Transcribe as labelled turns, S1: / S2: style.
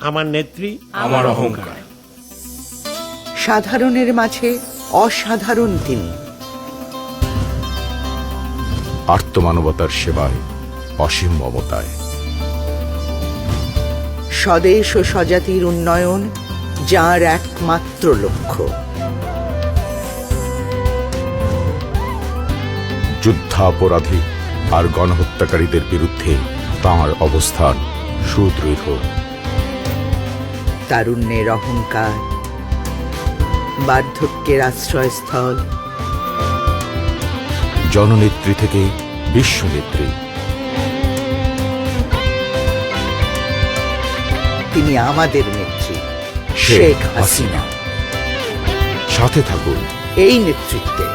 S1: আমার নেত্রী,
S2: আমার অহংকার।
S3: সাধারণের মাঝে অসাধারণ তিনি।
S4: আর্তমানবতার সেবায় অসীম মমতায়।
S3: স্বদেশ ও স্বজাতির উন্নয়ন যার একমাত্র লক্ষ্য।
S4: যুদ্ধাপরাধী আর গণহত্যাকারীদের বিরুদ্ধে তাঁর অবস্থান সুদৃঢ়।
S3: তারুণ্যের অহংকার, বার্ধক্যের আশ্রয়স্থল।
S4: জননেত্রী থেকে বিশ্বনেত্রী,
S3: তিনি আমাদের নেত্রী
S4: শেখ
S3: শেখ হাসিনা।
S4: হাসিনা। সাথে থাকুন
S3: এই নেতৃত্বে